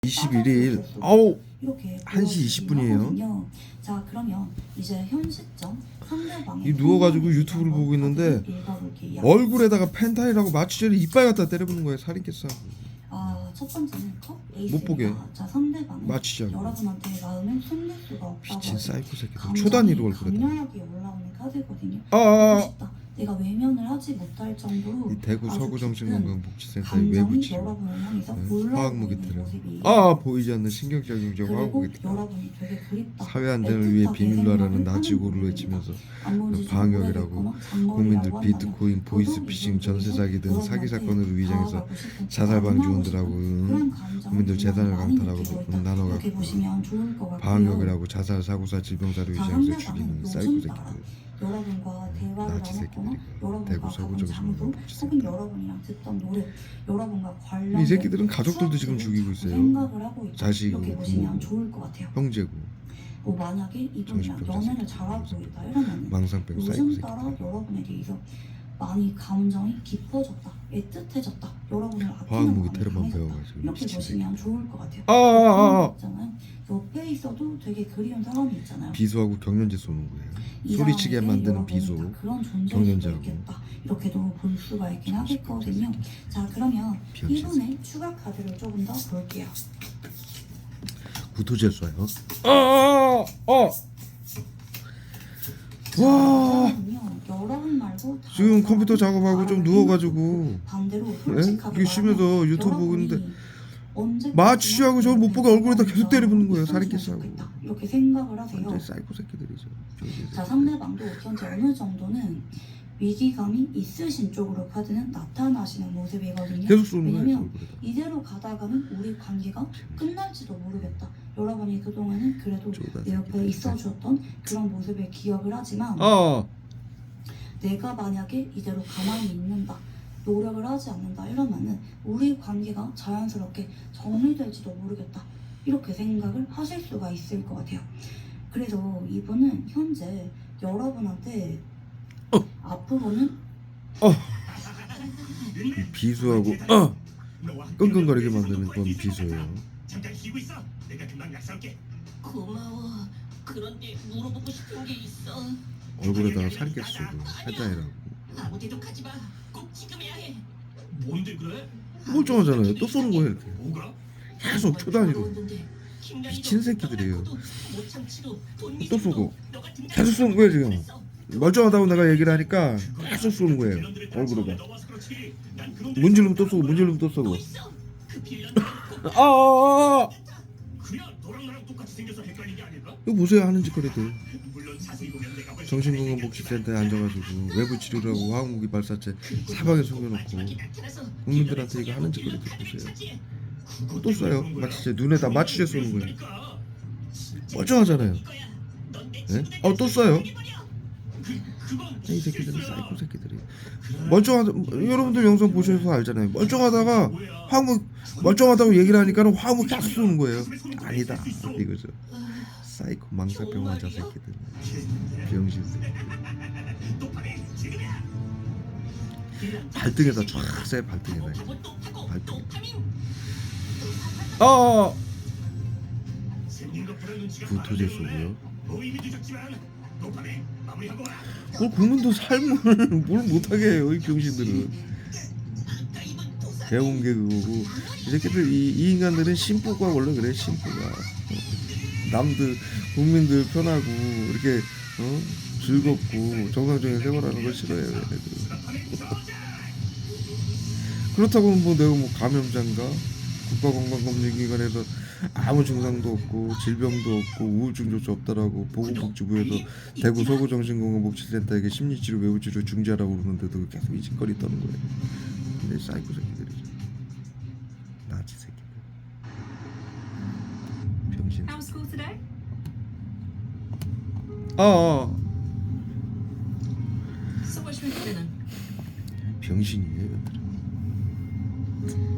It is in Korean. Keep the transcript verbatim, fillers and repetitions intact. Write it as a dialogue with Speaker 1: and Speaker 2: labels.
Speaker 1: 이십일 일 아우
Speaker 2: 이렇게
Speaker 1: 한 시 이십 분이에요.
Speaker 2: 자, 그러면 이제 현 시점 상대방의
Speaker 1: 이 누워가지고 유튜브를 보고 있는데 얼굴에다가 펜타일하고 마취제를 이빨 갖다 때려부는 거예요. 살인캐스.
Speaker 2: 아, 첫 번째는 컵 에이스입니다.
Speaker 1: 못 보게.
Speaker 2: 자, 상대방은
Speaker 1: 마취제하고.
Speaker 2: 여러분한테 마음을 숨길 수가 없다고.
Speaker 1: 미친 사이코 새끼들.
Speaker 2: 감정이
Speaker 1: 초단위로 얼굴에다.
Speaker 2: 강렬하게 올라오는 카드거든요.
Speaker 1: 아, 아, 아.
Speaker 2: 싶다. 내가 외면을 하지 못할 정도로
Speaker 1: 이 대구
Speaker 2: 아주
Speaker 1: 서구정신건강복지센터의
Speaker 2: 감정이
Speaker 1: 외부 치료.
Speaker 2: 여러분을 향해서
Speaker 1: 네.
Speaker 2: 올라오고
Speaker 1: 화학무기
Speaker 2: 있는
Speaker 1: 테러.
Speaker 2: 모습이에요.
Speaker 1: 아 보이지 않는 신경작용
Speaker 2: 그리고
Speaker 1: 화학무기 테러.
Speaker 2: 여러분이 되게 그립다.
Speaker 1: 사회 안전을 위해 비밀로 하라는 나치고를 외치면서 방역이라고 국민들 비트코인, 보이스피싱, 전세 사기 등 사기 사건으로 위장해서 자살 방지원들하고 국민들 재산을 강탈하고 음, 단어가 방역이라고 자살 사고사 질병사로 위장해서 죽이는 사이코 새끼들.
Speaker 2: 여러분과 대화를
Speaker 1: 나치
Speaker 2: 나눴거나
Speaker 1: 새끼들이고.
Speaker 2: 여러분과
Speaker 1: 대구
Speaker 2: 가본
Speaker 1: 서구정신건강
Speaker 2: 장소
Speaker 1: 복지센터.
Speaker 2: 혹은 여러분이랑 듣던 노래 여러분과 관련
Speaker 1: 이 새끼들은 가족들도 지금 죽이고 있어요.
Speaker 2: 생각을 하고 있다.
Speaker 1: 자식이고
Speaker 2: 이렇게 보시면
Speaker 1: 부모고
Speaker 2: 좋을 것 같아요.
Speaker 1: 형제고
Speaker 2: 뭐 만약에 이분이랑
Speaker 1: 정신병자
Speaker 2: 연애를
Speaker 1: 새끼들.
Speaker 2: 잘하고 있다 이러면
Speaker 1: 망상병 사이코
Speaker 2: 요즘 따라
Speaker 1: 새끼들.
Speaker 2: 여러분에 대해서 많이 감정이 깊어졌다, 애틋해졌다, 여러분을 아끼는
Speaker 1: 화학무기
Speaker 2: 마음이
Speaker 1: 테러만
Speaker 2: 강해졌다.
Speaker 1: 배워가지고
Speaker 2: 이렇게
Speaker 1: 미친
Speaker 2: 보시면 좋을 것 같아요.
Speaker 1: 아, 아, 아.
Speaker 2: 있잖아요. 옆에 있어도 되게 그리운 사람이 있잖아요.
Speaker 1: 비수하고 경련제 쏘는 거예요.
Speaker 2: 이
Speaker 1: 소리치게
Speaker 2: 사람에게
Speaker 1: 만드는
Speaker 2: 여러분이
Speaker 1: 비수.
Speaker 2: 다 그런 존재일 수도
Speaker 1: 경련자하고.
Speaker 2: 있겠다. 이렇게도 볼 수가 있긴 하겠거든요. 자, 그러면
Speaker 1: 비현실
Speaker 2: 이분의 추가 카드를 조금 더 볼게요.
Speaker 1: 구토제 쏴요. 아, 아, 아. 와.
Speaker 2: 사람은요, 여러분 말고 다른
Speaker 1: 지금 컴퓨터
Speaker 2: 사람이
Speaker 1: 작업하고 좀
Speaker 2: 말을
Speaker 1: 누워가지고
Speaker 2: 반대로
Speaker 1: 예?
Speaker 2: 솔직하게
Speaker 1: 이게 쉬면서
Speaker 2: 말하면
Speaker 1: 유튜브 보고 있는데
Speaker 2: 여러분이 언제까지나
Speaker 1: 마취하고 저걸 못 보게 얼굴에다 계속 때려붓는 거예요.
Speaker 2: 있었으면
Speaker 1: 살인캐스하고.
Speaker 2: 좋겠다. 이렇게 생각을 하세요.
Speaker 1: 완전 사이코 새끼들이죠.
Speaker 2: 자, 상대방도 현재 어느 정도는 위기감이 있으신 쪽으로 카드는 나타나시는 모습이거든요.
Speaker 1: 계속 쏘는 거예요.
Speaker 2: 왜냐면
Speaker 1: 얼굴에다.
Speaker 2: 이대로 가다가는 우리 관계가 끝날지도 모르겠다. 여러분이 그동안은 그래도
Speaker 1: 쪼다
Speaker 2: 내 옆에
Speaker 1: 새끼들.
Speaker 2: 있어주었던 그런 모습을 기억을 하지만
Speaker 1: 아,
Speaker 2: 내가 만약에 이대로 가만히 있는다, 노력을 하지 않는다 이러면은 우리 관계가 자연스럽게 정리될지도 모르겠다, 이렇게 생각을 하실 수가 있을 것 같아요. 그래서 이분은 현재 여러분한테
Speaker 1: 어.
Speaker 2: 앞으로는
Speaker 1: 어. 이 비수하고 어. 끙끙거리게 만드는 건 비수예요.
Speaker 3: 잠깐 쉬고 있어. 내가 금방 약속할게.
Speaker 4: 고마워. 그런데 물어보고 싶은 게 있어.
Speaker 1: 얼굴에다가 살게 쏘고 펜타일하고.
Speaker 4: 아무데도 가지 마. 꼭 지금 해야 해.
Speaker 3: 뭔데 그래?
Speaker 1: 멀쩡하잖아요. 또 쏘는 거예요 이렇게.
Speaker 3: 뭐가?
Speaker 1: 계속 초단위로. 미친 새끼들이에요. 또 쏘고 계속 쏘는 거예요 지금. 멀쩡하다고 내가 얘기를 하니까 계속 쏘는 거예요 얼굴에다. 문질르면 또 쏘고 문질르면 또 쏘고. 아, 아, 아.
Speaker 3: 그냥 너랑 나랑 똑같이 생겨서 헷갈린 게 아닐까?
Speaker 1: 이거 보세요 하는 짓거리들.
Speaker 3: 물론 자세히 보면 내가 훨씬
Speaker 1: 정신건강복지센터에 앉아가지고 외부 치료라고 화학무기 발사체 사방에 숨겨놓고 국민들한테 이거 하는 짓거리들 보세요. 또 쏴요. 마취제 눈에다 마취제 쏘는 거예요. 멀쩡하잖아요. 네? 어, 또 쏴요. 이 새끼들은 사이코 새끼들이. 멀쩡하다. 여러분들 영상 보셔서 알잖아요. 멀쩡하다가 화학무 멀쩡하다고 얘기를 하니까는 화학무 계속 쏘는 거예요. 아니다 이거죠. 사이코 망사병 환자 새끼들. 병신 새끼들. 발등에다 쫙 쎄. 발등에다. 발등. 아. 구토제 쏘고요. 뭘 국민도 삶을 뭘 못하게 해요 이 병신들은. 개운개 그거고 이 새끼들 이, 이 인간들은 심보가 원래 그래. 심보가 남들 국민들 편하고 이렇게 어? 즐겁고 정상적인 생활하는 걸 싫어해요 얘네들. 그렇다고 뭐 내가 뭐 감염자인가 국가건강검진기관에서 아무 증상도 없고 질병도 없고 우울증조차 없다라고 보건복지부에서 대구 서구정신건강복지센터에게 심리치료 외부치료 중지하라고 그러는데도 계속 이 짓거리 떠는 거예요. 근데 사이코 새끼들이죠. 나치 새끼들. 병신.
Speaker 5: How was school today?
Speaker 1: 아, 아.
Speaker 5: So what should we put in?
Speaker 1: 병신이에요.